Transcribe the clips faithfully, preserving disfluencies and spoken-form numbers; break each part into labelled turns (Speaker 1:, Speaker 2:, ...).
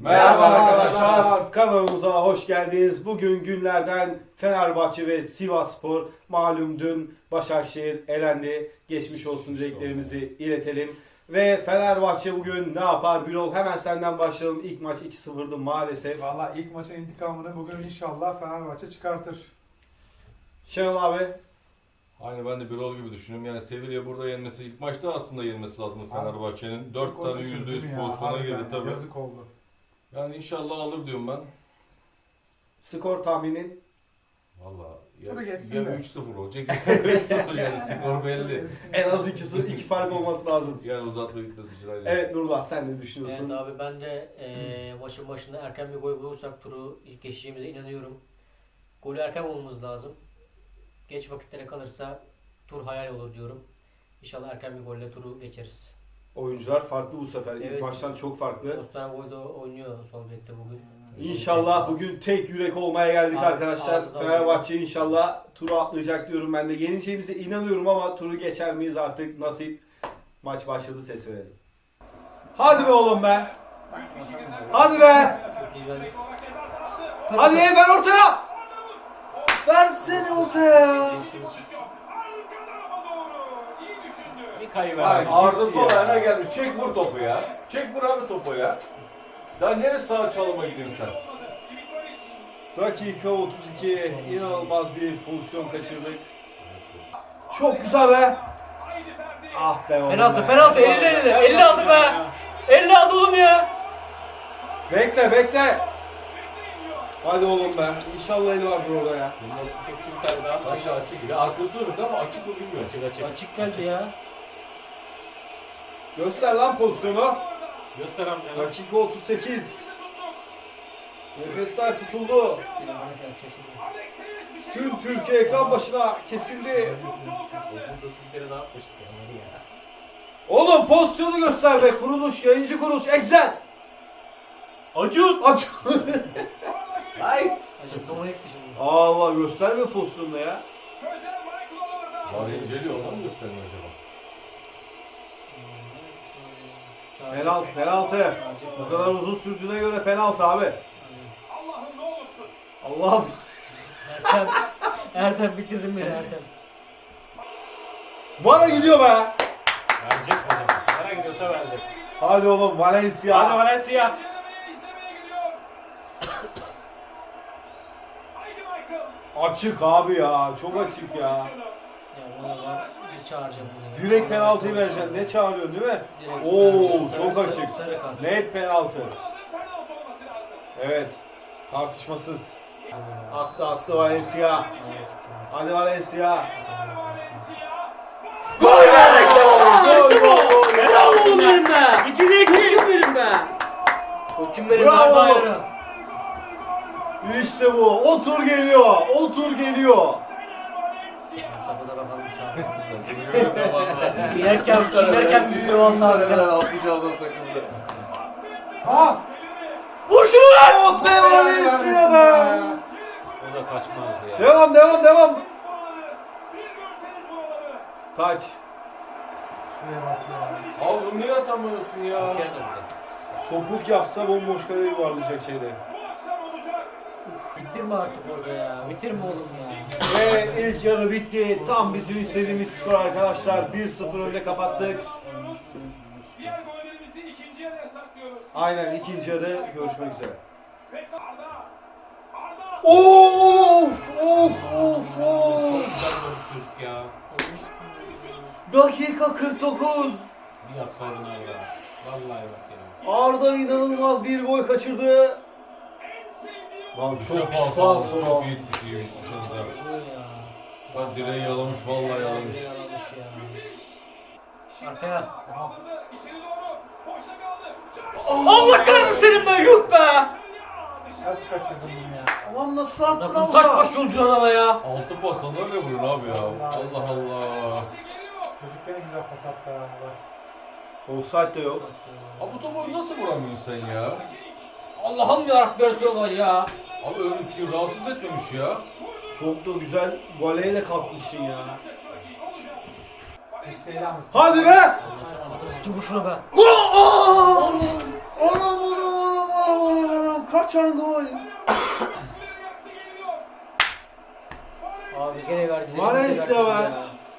Speaker 1: Merhaba arkadaşlar, kanalımıza hoş geldiniz. Bugün günlerden Fenerbahçe ve Sivasspor. Malum dün Başakşehir elendi. Geçmiş olsun dileklerimizi iletelim. Ve Fenerbahçe bugün ne yapar Birol? Hemen senden başlayalım. İlk maç iki sıfırdı maalesef.
Speaker 2: Valla ilk maçın intikamını bugün inşallah Fenerbahçe çıkartır.
Speaker 1: Şenol abi.
Speaker 3: Aynı ben de Birol gibi düşünüyorum. Yani Sevilla burada yenmesi, ilk maçta aslında yenmesi lazım Fenerbahçe'nin. dört
Speaker 2: Çok
Speaker 3: tane
Speaker 2: kaçırdı
Speaker 3: yüzde
Speaker 2: değil
Speaker 3: yüz
Speaker 2: mi ya?
Speaker 3: pozisyona
Speaker 2: Harbiden
Speaker 3: girdi tabii.
Speaker 2: Yazık oldu.
Speaker 3: Yani inşallah alır diyorum ben.
Speaker 1: Skor tahminin.
Speaker 3: Valla
Speaker 2: Tabii
Speaker 3: ya,
Speaker 2: geçsin
Speaker 3: ya
Speaker 2: de.
Speaker 3: üç sıfır olacak yani skor belli.
Speaker 1: En az ikisi, iki fark olması lazım.
Speaker 3: Yani uzatma gitmesi için ayrıca.
Speaker 1: Evet Nurullah, sen ne düşünüyorsun?
Speaker 4: Evet abi, ben de e, maçın başında erken bir gol bulursak turu geçeceğimize inanıyorum. Golü erken bulmamız lazım. Geç vakitlere kalırsa tur hayal olur diyorum. İnşallah erken bir golle turu geçeriz.
Speaker 1: Oyuncular farklı bu sefer. İlk
Speaker 4: Evet.
Speaker 1: maçtan çok farklı.
Speaker 4: Osterwolde oynuyor sol bekte bugün.
Speaker 1: İnşallah bugün tek yürek olmaya geldik
Speaker 4: Abi,
Speaker 1: arkadaşlar.
Speaker 4: abi,
Speaker 1: Fenerbahçe inşallah turu atlayacak diyorum ben de. Yeneceğimize inanıyorum ama turu geçer miyiz artık nasip. Maç başladı, ses verelim. Hadi be oğlum be. Hadi be.
Speaker 4: Çok iyi geldik.
Speaker 1: Hadi ver ortaya. Versene ortaya.
Speaker 5: Bir kayıver.
Speaker 1: Ay,
Speaker 3: Arda
Speaker 1: gitti
Speaker 3: sol
Speaker 1: ya.
Speaker 3: ayağına gelmiş. Çek vur topu ya. Çek vur abi topu ya. Daha nereye sağa çalıma gidiyorsun sen?
Speaker 1: Dakika otuz iki. İnanılmaz bir pozisyon kaçırdık. Çok güzel be. Ah be oğlum
Speaker 4: Penaltı
Speaker 1: be.
Speaker 4: penaltı elli elli elli aldı be. elli aldı oğlum ya.
Speaker 1: Bekle bekle. Hadi oğlum be. İnşallah eli vardır orada ya.
Speaker 5: Bir tane daha.
Speaker 3: Sanki açık gibi. Arkası dönük ama açık mı bilmiyorum.
Speaker 5: Açık açık.
Speaker 4: Açık geldi ya.
Speaker 1: Göster lan pozisyonu.
Speaker 5: Göster amcana.
Speaker 1: Dakika otuz sekiz. Nefesler tutuldu.
Speaker 4: Şöyle bana sen şimdi.
Speaker 1: Tüm Türkiye ekran başına kesildi.
Speaker 5: Bir kere daha atmıştık onları ya.
Speaker 1: Oğlum pozisyonu göster be. Kuruluş, yayıncı kuruluş. Excel.
Speaker 5: Acun!
Speaker 1: Aç.
Speaker 5: Ay!
Speaker 4: Acık dominikti şimdi.
Speaker 1: Allah gösterme pozisyonunu ya.
Speaker 3: Var inceliyor ona mı göstermiyor acaba?
Speaker 1: Penaltı, penaltı. Bu kadar uzun sürdüğüne göre penaltı abi. Allah'ım.
Speaker 4: Ertem, Ertem bitirdin beni Ertem.
Speaker 1: Bana gidiyor be.
Speaker 5: Verecek o zaman. Nereye gidiyorsa verecek.
Speaker 1: Hadi oğlum Valencia.
Speaker 5: Hadi Valencia!
Speaker 1: Açık abi ya. Çok açık ya.
Speaker 4: Ya buna var bir çağıracağım bunu.
Speaker 1: Direkt penaltıyı vereceksin. Ne çağırıyorsun değil mi?
Speaker 4: Direkt
Speaker 1: Oo
Speaker 4: vereceğim. Sarı-
Speaker 1: çok
Speaker 4: sarı-
Speaker 1: açık.
Speaker 4: sarı kart.
Speaker 1: Net penaltı. Evet. Tartışmasız. Attı attı Valencia. Hadi Valencia.
Speaker 4: Gol be işte bu!
Speaker 1: Gol,
Speaker 4: İşte
Speaker 1: gol,
Speaker 4: bu!
Speaker 1: gol,
Speaker 4: Helal
Speaker 1: gol.
Speaker 4: oğlum benim be!
Speaker 5: İkide iki!
Speaker 4: Koçum benim be! Koçum benim
Speaker 1: Bravo
Speaker 4: darbe
Speaker 1: oğlum.
Speaker 4: ayarı.
Speaker 1: İşte bu. O tur geliyor. O tur geliyor.
Speaker 4: Sakıza bakalım şu an.
Speaker 3: Sakızı valla.
Speaker 4: Çiğnerken, çiğnerken büyüyor vallahi.
Speaker 3: Hemen altmış ağzına sakızı.
Speaker 1: Ha!
Speaker 4: Vur şunu lan!
Speaker 1: Oh be Valencia be!
Speaker 5: O da kaçmazdı ya.
Speaker 1: Devam devam devam. Taç.
Speaker 2: Şuraya bak ya.
Speaker 3: Abi bunu niye atamıyorsun ya?
Speaker 5: Gel de burada.
Speaker 1: Topuk yapsa bomboş kaleye yuvarlayacak şeyde.
Speaker 4: Bitirme artık orada ya. Bitirme oğlum ya.
Speaker 1: Ve ilk yarı bitti. Tam bizim istediğimiz skor arkadaşlar. bir sıfır önde kapattık. Aynen ikinci yarı görüşmek üzere. Of of of of.
Speaker 5: Güzel bir çocuk ya.
Speaker 1: Dakika kırk dokuz.
Speaker 5: Bir yapsaydın orada. Vallahi bak ya.
Speaker 1: Arda inanılmaz bir gol kaçırdı. Lan çok pis faul sonra.
Speaker 3: Çok iyi tutuyor. Dışarıda.
Speaker 4: Dur ya.
Speaker 3: Lan direği yalamış vallahi yalamış.
Speaker 4: Yalamış ya. Arkaya. Allah kahretsin senin be, yuh be!
Speaker 2: Nasıl kaçırdın bunu ya?
Speaker 1: Lan nasıl attın
Speaker 4: Bakın kaç
Speaker 1: Arda?
Speaker 4: baş öldürüyor adama ya.
Speaker 3: Altı pas sana öyle vurun abi ya. Allah Allah.
Speaker 2: Çocuk gene güzel pas attı ha. Bak.
Speaker 1: Offside de yok.
Speaker 3: Abi bu topu nasıl vuramıyorsun sen ya?
Speaker 4: Allah'ım yarabbim Resulallah ya.
Speaker 3: Abi önünki rahatsız etmemiş ya.
Speaker 1: Çok da güzel voleyle kalkmışsın ya.
Speaker 2: Siz şeyle mısınız?
Speaker 1: Hadi be!
Speaker 4: Eski vur şuna be.
Speaker 1: Gol! Anam anam anam anam anam Atacaksın gol.
Speaker 4: Abi gene verdi.
Speaker 1: Valencia be.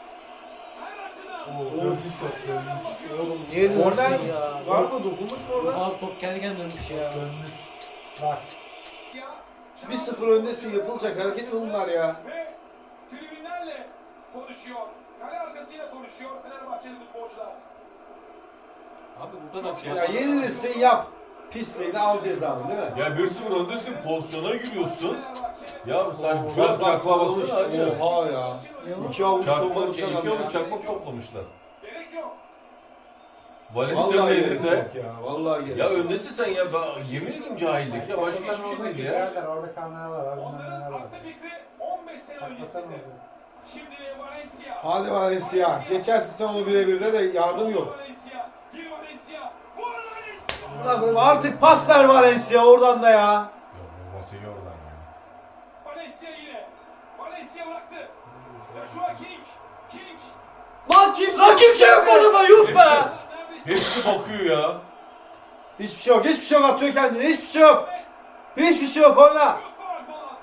Speaker 2: Dönmüş top dönmüş.
Speaker 4: Oğlum niye dönüyorsun
Speaker 1: Oradan
Speaker 4: ya?
Speaker 1: var mı dokunmuş mu orada?
Speaker 4: Az top kendi kendine dönmüş ya.
Speaker 2: Dönmüş. Bak.
Speaker 1: bir sıfır öndesin, yapılacak hareket mi bunlar ya?
Speaker 6: Ve tribünlerle konuşuyor. Kale arkasıyla konuşuyor Fenerbahçeli futbolcular.
Speaker 5: Abi bu kadar şey
Speaker 1: Ya
Speaker 5: yapar.
Speaker 1: yenilirsin yap. Pisliğini al cezanı değil mi?
Speaker 3: Ya bir sıfır öndesin, pozisyona giriyorsun.
Speaker 6: Fenerbahçe
Speaker 3: Ya bu saçma.
Speaker 1: Bak,
Speaker 3: Şöyle
Speaker 1: bak,
Speaker 3: çakmağa
Speaker 1: toplamış.
Speaker 3: baksana hacı.
Speaker 1: Oha ya. İki avuç
Speaker 3: Çakmak,
Speaker 1: toplamış
Speaker 3: iki
Speaker 1: adam ya.
Speaker 3: avuç çakmak toplamışlar.
Speaker 6: gerek yok.
Speaker 3: Valencia'nın
Speaker 1: Vallahi gerek
Speaker 3: elinde.
Speaker 1: yok ya. Vallahi gerek
Speaker 3: Ya
Speaker 1: yok.
Speaker 3: öndesin sen ya. Ben, yemin ederim cahillik ya. Başka
Speaker 2: Saklasan
Speaker 3: hiçbir şey
Speaker 2: oradaki
Speaker 3: değil ya.
Speaker 2: birader, orada kameralar var, bilmem
Speaker 6: Onların
Speaker 2: neler var.
Speaker 6: aklı fikri on beş sene
Speaker 2: Saklasan
Speaker 6: öncesinde.
Speaker 2: orada.
Speaker 6: Şimdi Valencia.
Speaker 1: Hadi Valencia. Geçersin sen onu birebirde de yardım yok.
Speaker 6: Valencia. Gir Valencia. Vur Valencia.
Speaker 1: Ulan artık pas ver Valencia oradan da ya.
Speaker 3: Ya vurması iyi oradan ya.
Speaker 6: Valencia yine. Valencia bıraktı. Joshua King. King.
Speaker 1: Lan kimse,
Speaker 4: Lan kimse yok orada be, yuh be.
Speaker 6: Neredeyse.
Speaker 3: Hepsi bakıyor ya.
Speaker 1: Hiçbir şey yok. Hiçbir şey yok, atıyor kendini. Hiçbir şey yok. Hiçbir şey yok, oyna.
Speaker 6: Yok var falan.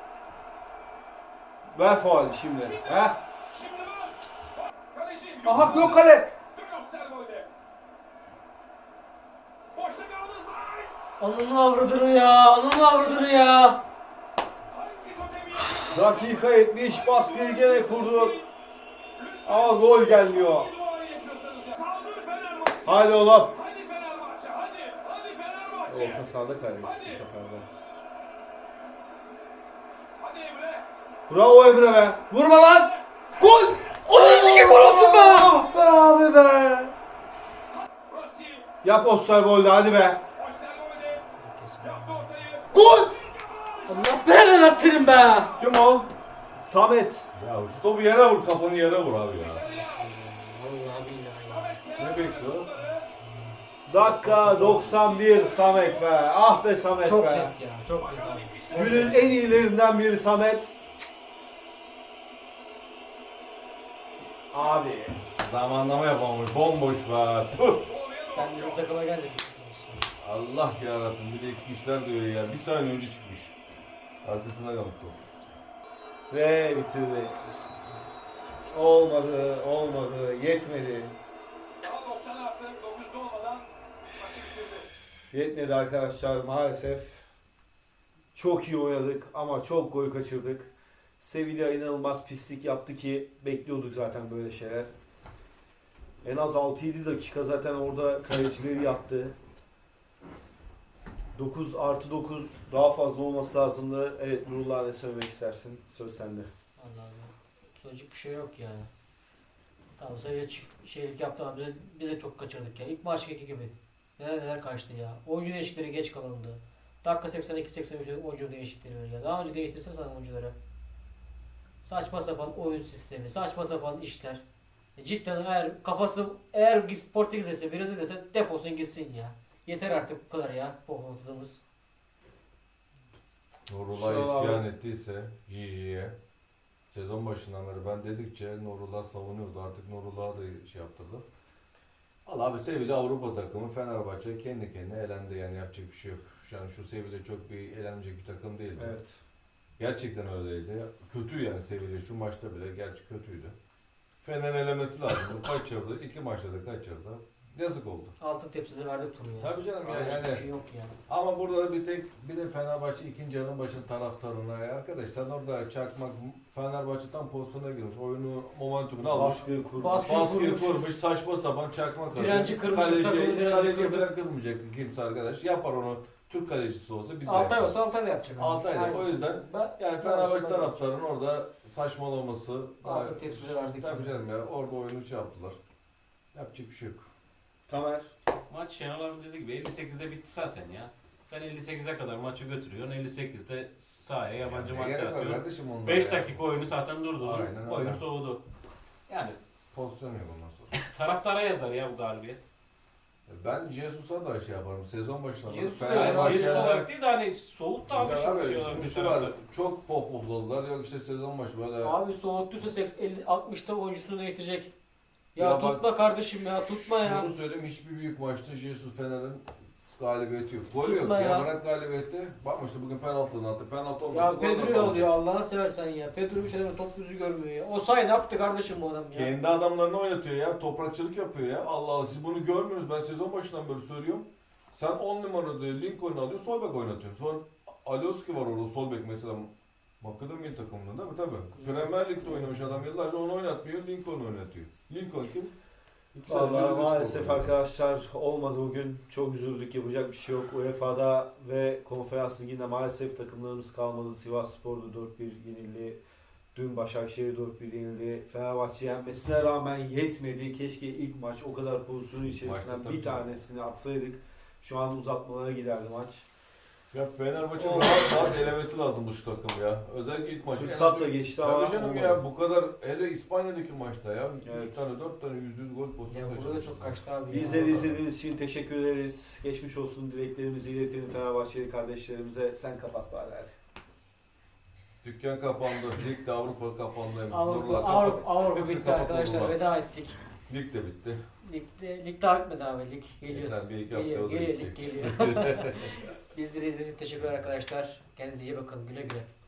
Speaker 1: Ver faul şimdi. He?
Speaker 6: Şimdi var. Kaleci.
Speaker 1: Aha yok kale.
Speaker 6: Dön Osterwolde. Boşta kaldı. Zayt.
Speaker 4: Ananı avradını ya. Ananı avradını ya.
Speaker 6: Hangi totemi yapıyor?
Speaker 1: Dakika yetmiş, baskıyı gene kurdu. Ama gol gelmiyor.
Speaker 6: Hangi duayı yapıyorsanız ya. Saldır Fenerbahçe.
Speaker 1: Hadi oğlum.
Speaker 6: Hadi Fenerbahçe. Hadi. Hadi Fenerbahçe.
Speaker 1: Orta sahada kaybettik bu sefer de.
Speaker 6: Hadi Emre.
Speaker 1: Bravo Emre be. Vurma lan. Gol.
Speaker 4: Onun sikeyim gol olsun be.
Speaker 1: Ah be abi be.
Speaker 6: Rossi.
Speaker 1: Yap Osterwolde hadi be.
Speaker 6: Osterwolde. Yaptı ortayı.
Speaker 1: Gol.
Speaker 4: Allah belanı versin be.
Speaker 1: Kim o? Samet.
Speaker 3: Ya şu topu yere vur, kafanı yere vur abi ya.
Speaker 4: Vallahi billahi.
Speaker 3: Ne bekliyor?
Speaker 1: Dakika doksan bir Samet be. Ah be Samet
Speaker 4: Çok
Speaker 1: be.
Speaker 4: net ya. Çok net abi.
Speaker 1: Günün en iyilerinden biri Samet. Abi.
Speaker 3: Zamanlama yapamamış, bomboş be. Tüh.
Speaker 4: Sen bizim takıma gel de.
Speaker 3: Allah yarabbim, bir de iki işler diyor ya. Bir saniye önce çıkmış. Arkasına kalktı top.
Speaker 1: Ve bitirdi. Olmadı, olmadı, yetmedi.
Speaker 6: Daha doksan artı dokuzda olmadan maçı bitirdi.
Speaker 1: Yetmedi arkadaşlar maalesef. Çok iyi oynadık ama çok gol kaçırdık. Sevilla inanılmaz pislik yaptı ki bekliyorduk zaten böyle şeyler. En az altı yedi dakika zaten orada kalecileri yattı. dokuz artı dokuz daha fazla olması lazımdı. Evet Nurullah ne söylemek istersin? Söz sende.
Speaker 4: Allah'ım. Söyleyecek bir şey yok yani. Tamam sadece çift şeylik yaptı ama biz, biz de çok kaçırdık ya. İlk maçtaki gibi. Neler neler kaçtı ya. Oyuncu değişiklikleri geç kalındı. Dakika seksen iki seksen üç oyuncu değişiklikleri ya. Daha önce değiştirsen sana oyuncuları. Saçma sapan oyun sistemi, saçma sapan işler. E cidden eğer kafası eğer Portekiz'dese, Brezilya'dese defolsun gitsin ya. Yeter artık bu kadar ya. Pohpoladığımız.
Speaker 3: Nurullah
Speaker 1: Şu an-
Speaker 3: isyan ettiyse Gigi'ye sezon başından beri ben dedikçe Nurullah savunuyordu. Artık Nurullah'a da şey yaptırdı. Valla abi Sevilla Avrupa takımı, Fenerbahçe kendi kendine elendi, yani yapacak bir şey yok. Yani şu Sevilla çok bir elenecek bir takım değildi.
Speaker 1: Evet.
Speaker 3: Gerçekten öyleydi. Kötü yani Sevilla, şu maçta bile gerçi kötüydü. Fener elemesi lazım. Kaçırdı. iki maçta da kaçırdı. Yazık oldu.
Speaker 4: Altın tepside verdik turu ya.
Speaker 3: Tabii canım ya,
Speaker 4: Başka
Speaker 3: yani-
Speaker 4: bir şey yok yani.
Speaker 3: Ama burada da bir tek bir de Fenerbahçe ikinci yarının başın taraftarına ya arkadaşlar orada çakmak Fenerbahçe tam pozisyona girmiş. Oyunu momentumunu almış.
Speaker 1: Baskıyı kurmuş.
Speaker 4: Baskı-
Speaker 3: Baskıyı
Speaker 4: kurmuş.
Speaker 3: kurmuş, saçma sapan çakmak atıyor.
Speaker 4: Direnci kırmış,
Speaker 3: Kaleci,
Speaker 4: takımın
Speaker 3: hiç
Speaker 4: direnci
Speaker 3: kaleciye
Speaker 4: kırdı.
Speaker 3: falan kızmayacak kimse arkadaş. Yapar onu Türk kalecisi olsa biz de
Speaker 4: Altay
Speaker 3: yaparız.
Speaker 4: olsa Altay da yapacak. abi.
Speaker 3: Altay'da.
Speaker 4: Aynen.
Speaker 3: O yüzden
Speaker 4: Ben,
Speaker 3: yani Fenerbahçe taraftarının orada saçmalaması.
Speaker 4: Altın tepside verdik.
Speaker 3: Tabii canım ya orada oyunu şey yaptılar. Yapacak bir şey yok.
Speaker 1: Tamer.
Speaker 5: Maç Şenol abi dediği gibi elli sekizde bitti zaten ya. Sen elli sekize kadar maçı götürüyorsun. elli sekizde sahaya yabancı
Speaker 3: Ne
Speaker 5: madde
Speaker 3: gerek var
Speaker 5: atıyorsun.
Speaker 3: kardeşim onlara
Speaker 5: beş
Speaker 3: ya?
Speaker 5: dakika oyunu zaten durdu.
Speaker 3: Aynen
Speaker 5: Oyun
Speaker 3: öyle.
Speaker 5: soğudu. Yani
Speaker 3: Pozisyon yok ondan sonra.
Speaker 5: taraftara yazar ya bu galibiyet.
Speaker 3: Ben Jesus'a da şey yaparım. Sezon başında.
Speaker 4: Jesus da
Speaker 5: Yani
Speaker 4: Fenerbahçe-
Speaker 5: Jesus olarak değil de hani soğuttu abi
Speaker 3: Ya
Speaker 5: şimdi
Speaker 3: abi,
Speaker 5: şey olarak
Speaker 3: şimdi
Speaker 5: bir
Speaker 3: şu var,
Speaker 5: taraftar.
Speaker 3: çok pop popladılar. Yok işte sezon başı böyle.
Speaker 4: Abi soğuttuysa seksen, elli, altmışta oyuncusunu değiştirecek. Ya,
Speaker 3: Ya bak-
Speaker 4: tutma kardeşim ya tutma ya.
Speaker 3: Şunu söyleyeyim, hiçbir büyük maçta Jesus Fener'in galibiyeti yok. Gol yok
Speaker 4: Tutma
Speaker 3: ya.
Speaker 4: ya.
Speaker 3: Bırak galibiyeti. Bakma işte bugün penaltı attı. Penaltı olmasa
Speaker 4: Ya
Speaker 3: gol de
Speaker 4: Pedro'yu
Speaker 3: kalacak.
Speaker 4: alıyor Allah'ını seversen ya. Pedro bir şeyden top yüzü görmüyor ya. O say ne yaptı kardeşim bu adam ya.
Speaker 3: Kendi adamlarını oynatıyor ya. Toprakçılık yapıyor ya. Allah Allah siz bunu görmüyorsunuz. Ben sezon başından beri söylüyorum. Sen on numarada Lincoln'u alıyorsun. Sol bek oynatıyorsun. Sonra Alioski var orada sol bek mesela. Makedon milli takımında değil mi? Tabii. Premier Lig'de oynamış adam yıllarca onu oynatmıyor. Lincoln oynatıyor. Lincoln kim? İki sene önce
Speaker 1: Vallahi
Speaker 3: Rize
Speaker 1: maalesef
Speaker 3: Spor'da.
Speaker 1: arkadaşlar olmadı bugün. Çok üzüldük. Yapacak bir şey yok. U E F A'da ve Konferans Ligi'nde maalesef takımlarımız kalmadı. Sivasspor'da dört bir yenildi. Dün Başakşehir dört bir yenildi. Fenerbahçe yenmesine rağmen yetmedi. Keşke ilk maç o kadar pozisyonun içerisinden
Speaker 3: Maçta tabii
Speaker 1: bir
Speaker 3: ki.
Speaker 1: tanesini atsaydık. Şu an uzatmalara giderdi maç.
Speaker 3: Ya Fenerbahçe
Speaker 1: Oh.
Speaker 3: rahat rahat elemesi lazım bu şu takım ya. Özellikle ilk maçı.
Speaker 1: Fırsat da geçti ama
Speaker 3: Tabii canım
Speaker 1: olmadı.
Speaker 3: ya bu kadar hele İspanya'daki maçta ya.
Speaker 1: Evet.
Speaker 3: üç tane dört tane yüz yüz gol pozisyonu
Speaker 4: Ya burada da çok kaçtı abi. ya.
Speaker 1: Bizleri izlediğiniz için teşekkür ederiz. Geçmiş olsun dileklerimizi iletelim Fenerbahçeli kardeşlerimize. Sen kapat bari hadi.
Speaker 3: Dükkan kapandı. Lig de Avrupa kapandı.
Speaker 4: Avrupa,
Speaker 3: Nurullah kapat.
Speaker 4: Avrupa, Avrupa
Speaker 3: Hepsi
Speaker 4: bitti
Speaker 3: kapat
Speaker 4: arkadaşlar.
Speaker 3: Nurullah.
Speaker 4: Veda ettik.
Speaker 3: Lig de bitti.
Speaker 4: Lig, lig daha bitmedi abi. Lig geliyor.
Speaker 3: Yeter, bir iki
Speaker 4: Geliyor,
Speaker 3: hafta o da
Speaker 4: geliyor, lig
Speaker 3: bitecek.
Speaker 4: geliyor. Bizleri izlediğiniz için teşekkürler arkadaşlar. Kendinize iyi bakın. Güle güle.